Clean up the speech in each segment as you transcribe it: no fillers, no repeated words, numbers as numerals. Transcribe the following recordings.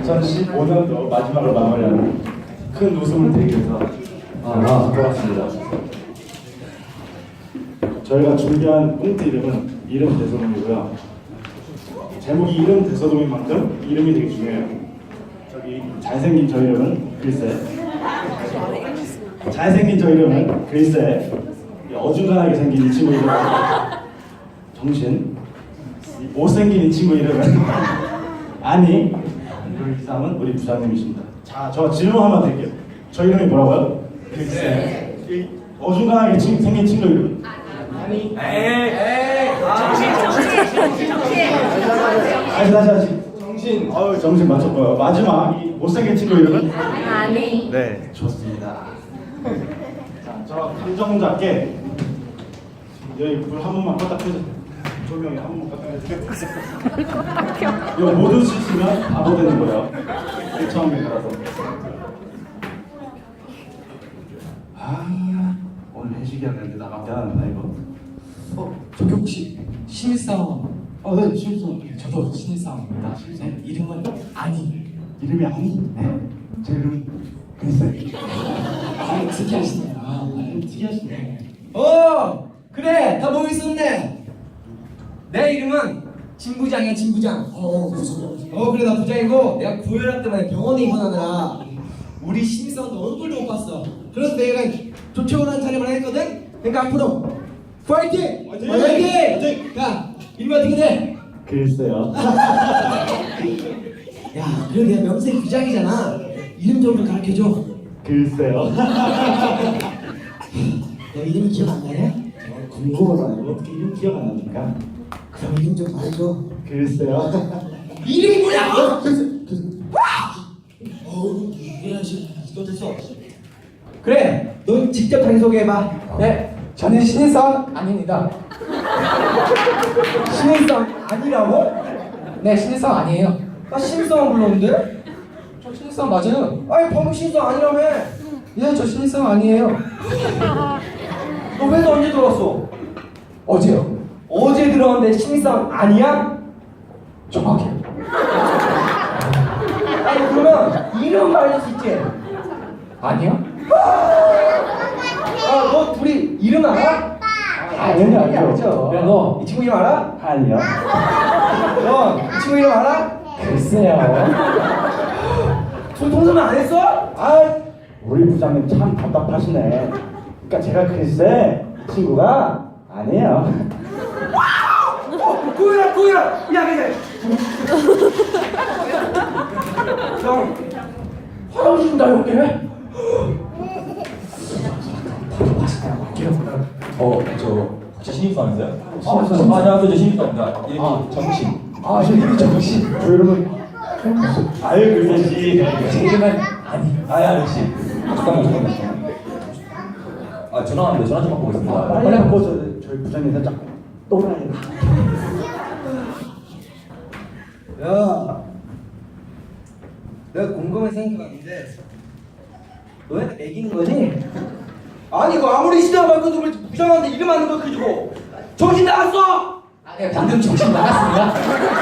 2015년도 마지막으로 마무리하는 큰 웃음을 드리기 위해서 돌아왔습니다. 저희가 준비한 꽁트 이름은 이름 대소동이고요. 제목이 이름 대소동인 만큼 이름이 되게 중요해요. 저기 잘생긴 저 이름은 글쎄, 잘생긴 저 이름은 글쎄, 어중간하게 생긴 이 친구 이름은 정신, 못생긴 이 친구 이름은 아니, 그 이상은 우리 부장님이십니다. 자, 저 질문 한번 드릴게요. 저 이름이 뭐라고요? 글쎄. 이 어중간하게 생긴 친구 이름은? 아니. 다시. 정신. 정신 맞췄고요. 마지막 이 못생긴 친구 이름은? 아니. 네, 좋습니다. 자, 저 감정 잡게 여기 불 한 번만 껐다 켜주세요. 조명이 한 번만 껐다 켜주세요. 이거 모두 쓰시면 바보 되는 거예요. 처음이라서. 오늘 회식이었는데 나가면 미안합니다 이거. 저기 혹시 신입사원? 네, 신입사원. 저도 신입사원입니다. 네, 이름은 아니. 이름이 아니? 네. 제 이름은 글쎄. 특이하시네요. 특이하시네. 그래 다 모여 있었네. 내 이름은 진부장이야 진부장. 그래 나 부장이고 내가 고혈압 때문에 병원에 입원하느라 우리 신입사원도 얼굴도 못 봤어. 그래서 내가 조촐한 차림을 했거든. 그러니까 앞으로 파이팅! 파이팅! 야 이름이 어떻게 돼? 글쎄요. 야 그래 내가 명색 부장이잖아. 이름 좀 가르쳐줘. 글쎄요. 너 이름이 기억 안 나냐? 궁금하잖아요. 어떻게 이름 기억 안 납니까? 그럼 이름 좀 말해줘. 글쎄요. 이름이 뭐냐고? 이거 됐어. 그래, 너 직접 자기소개해봐. 네, 저는 신입사원 아닙니다. 신입사원 아니라고? 네, 신입사원 아니에요. 나 신입사원 불렀는데? 저 신입사원 맞아요. 아니 방금 신입사원 아니라며. 예, 저 신입사원 아니에요. 너 회사 언제 들어왔어? 어제요. 어제 들어왔는데 신입사원 아니야? 정확해요. 아니 그러면 이름 알릴 수 있지? 아니요? 너 둘이 이름 알아? 당연히 알죠. 그래 너 이 친구 이름 알아? 아니요. 너 이 친구 이름 알아? 글쎄요. 둘 동서는 안 했어? 우리 부장님 참 답답하시네. 그러니까 제가 글쎄 이 친구가 아니에요. 구이라 야 그래 형 화장실 나 여기 저 혹시 신입사원이세요? 신입사원. 안녕하세요. 저 신입사원입니다. 이름이 정신. 저 이름이 정신. 저 이름은 아유 글쎄 씨. 제 이름은 아니. 아야 씨. 잠깐만. 전화 왔는데 전화 좀 받고 오겠습니다. 빨리 바꿔서 저희 부장님 살짝 또라이. 야 내가 궁금해서 생각해봤는데 너네가 매기는 거지? 아니 이거 아무리 시대가 밝아도 왜 부장한테 이름 안 넣어주고 정신 나갔어! 네, 방금 정신 나갔습니다.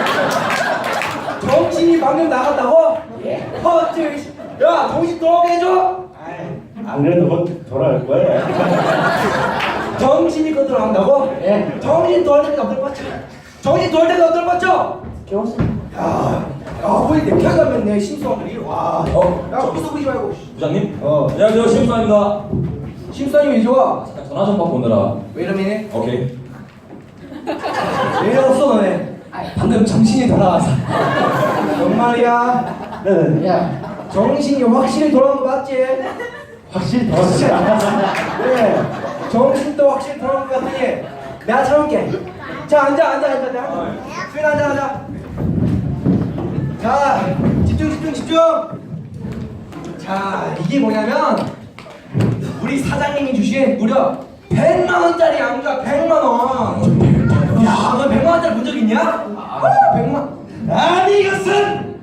정신이 방금 나갔다고? 예. 야 정신 돌아오게 해줘! 안 그래도 곧 돌아올 거예요. 정신이 곧 돌아온다고? 예. 정신 돌아올 때가 어떨 뻔죠? 정신 돌아올 때가 어떨 뻔죠? 깨웠습니다. 거의 내 가면 내 심수함들이 와. 야 웃어 보지 말고. 부장님? 안녕하세요. 신입사원입니다. 심수함이 왜 좋아? 잠깐 전화 좀 받고 오느라. 왜 이러니? 오케이. 왜 없어 너네? 방금 정신이 돌아와서. 정말이야? 네네. 야, 정신이 확실히 돌아온 거 맞지? 확실히 돌아왔어요. 그래. 정신도 확실히 돌아온 거 같으니 내가 참을게. 자 앉아. 내가 수인 앉아. 자 집중. 자 이게 뭐냐면 우리 사장님이 주신 무려 100만 원짜리 양주야 100만 원. 야, 너 100만 원짜리 본 적 있냐? 100만. 아니 이것은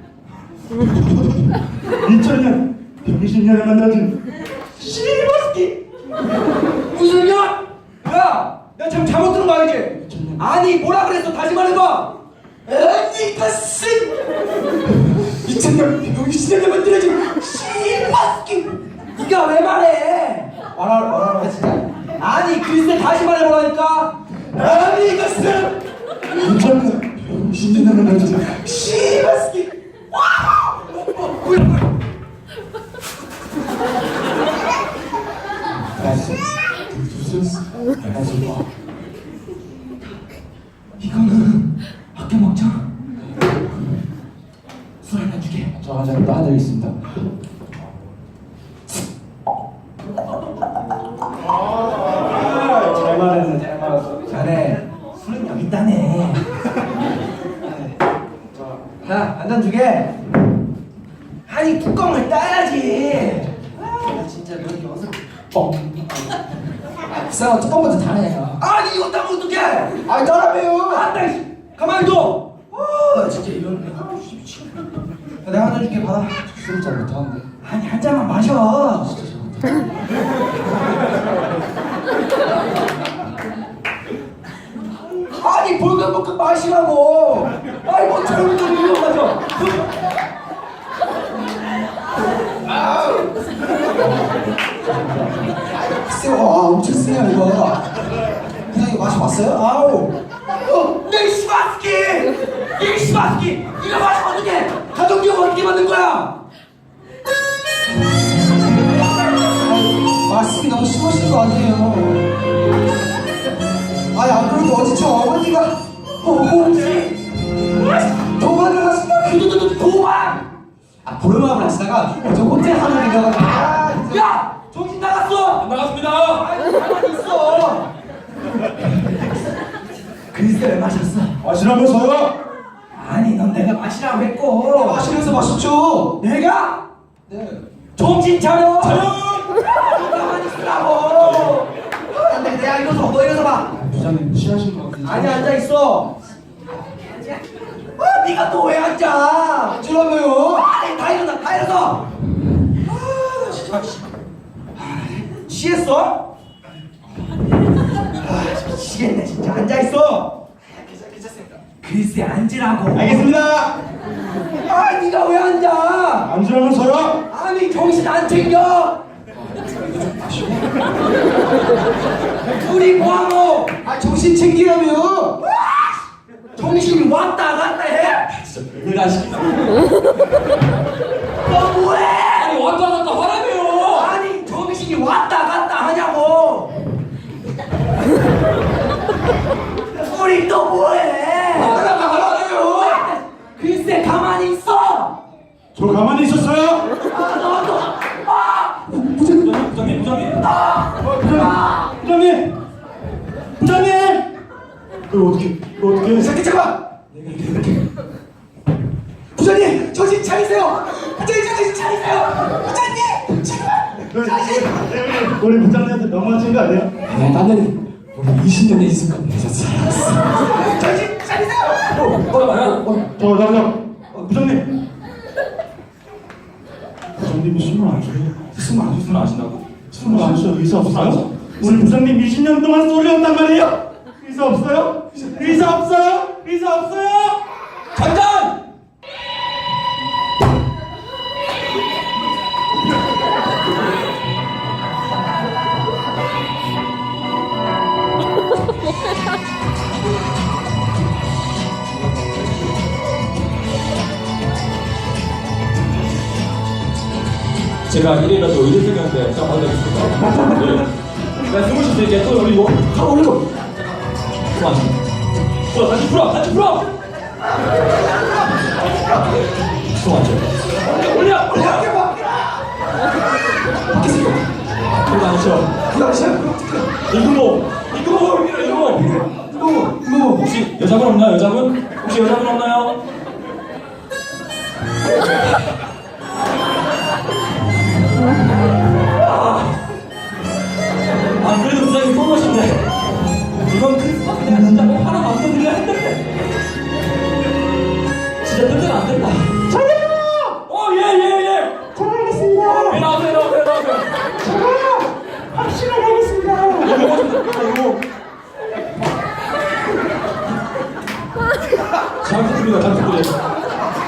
2000년 병신년에 만나진 시리버스키. 무슨 년? 야, 내가 지금 잘못 들은 거 알지? 아니 뭐라 그랬어? 다시 말해봐. 아니 이것은 2000년 병신년에 만들어진 씨바스키. 네가 왜 말해? 말하라 진짜. 아니 글쎄 다시 말해보라니까. 아니 이것은 2000년 신진년을 만든 씨바스키. 와! 이거는 아껴 먹자. 술 한잔 주게. 저 한잔 따드리겠습니다. 잘 말했네, 잘 말했어. 자네 술은 여기 있다네. 자, 한잔 주게. 아니 뚜껑을 따야지. 나 진짜 너 이렇게 어서. 쌤아 뚜껑부터 다네요. 아니 이거 따면 어떡해? 아니 따라매요. 안다. 가만히 둬. 나 진짜 이런. 미치겠다. 내가 한잔 줄게 받아. 술을 잘 못하는데. 아니 한 잔만 마셔. 아니 볼금볼금 마시라고. 아이 뭐 젊은 놈이 이거 마셔. 쌤, 엄청 세요 이거. 그냥 이거 마셔봤어요? 아우. 내 시바스키! 이 시바스키! 이거 마시면 어떡해! 가족력 어떻게 만든 거야? 말씀이 너무 심하신 거 아니에요? 아니 안 그래도 어제 저 어머니가 혹시 도망을 하시다가 도망! 보름마을 하시다가 어제 호텔 하나 내려가지고 야! 정신 나갔어! 안 나갔습니다. 아니 가만히 있어! 글쎄 왜 마셨어? 마시라면서요? 아니 넌 내가 마시라고 했고 마시면서 마셨죠? 내가? 네. 정신 차려! 가만히 있으라고! 안돼 내가 일어서 너 일어서 봐! 부장님 취하신 것 같은데. 아니 앉아있어! 네가 또 왜 앉아? 앉으라며요. 아니 다 일어나 다 일어서! 진짜 취했어? 미치겠네 진짜 앉아있어! 괜찮습니다. 글쎄 앉으라고 알겠습니다. 아 네가 왜 앉아? 앉으라면서요? 아니 정신 안 챙겨? 우리 뭐하노? 아 정신 챙기라며. 정신이 왔다 갔다 해? 왜 하시겠다. 너 뭐해? 아니 왔다 갔다 하라며요. 아니 정신이 왔다 갔다 하냐고 우리 또 뭐해? 왔다 갔다 하라며요. 글쎄 가만히 있어 저 가만히 있었어요? 너도 부장님. 부장님! 부장님! 그걸 어떻게 잠깐 잠깐. 부장님 정신 차리세요. 부장님 정신 차리세요. 부장님 제발. 우리 부장님한테 너무하신 거 아니에요? 나는 우리 20년의 이승만 내셨어요. 정신 차리세요 저 부장님 부장님이 술을 안 줘요. 무슨 아신다고? 술을 안 줘요. 의사 없어요? 우리 부장님 20년 동안 소리였단 말이에요. 의사 없어요? 의사 없어요? 의사 없어요? 잠깐! 제가 이래라도 의대생한테 좀 받아드리겠습니다. 네. 나 숨을 쉴 수 있게 또 올리고. 다 올리고. 그만. 풀어, 다시 풀어, 다시 풀어. 그만. 올려. 바뀌세요. 그거 안 쉬어. 그거 아시죠? 이금호 밀어, 이금호. 이거 혹시 여자분 없나요? 여자분? 혹시 여자분 없나요? 아 그래도 부장님 쏘노신데 이번 크리스마스 내가 진짜 꼭 하나 만들어드려야 했는데 진짜 뜬데는 안 된다. 저요! 예예예. 잘하겠습니다. 네, 나오세요. 저요! 확실하게 하겠습니다. 이거 잘 부탁드립니다. 잘 부탁드려요.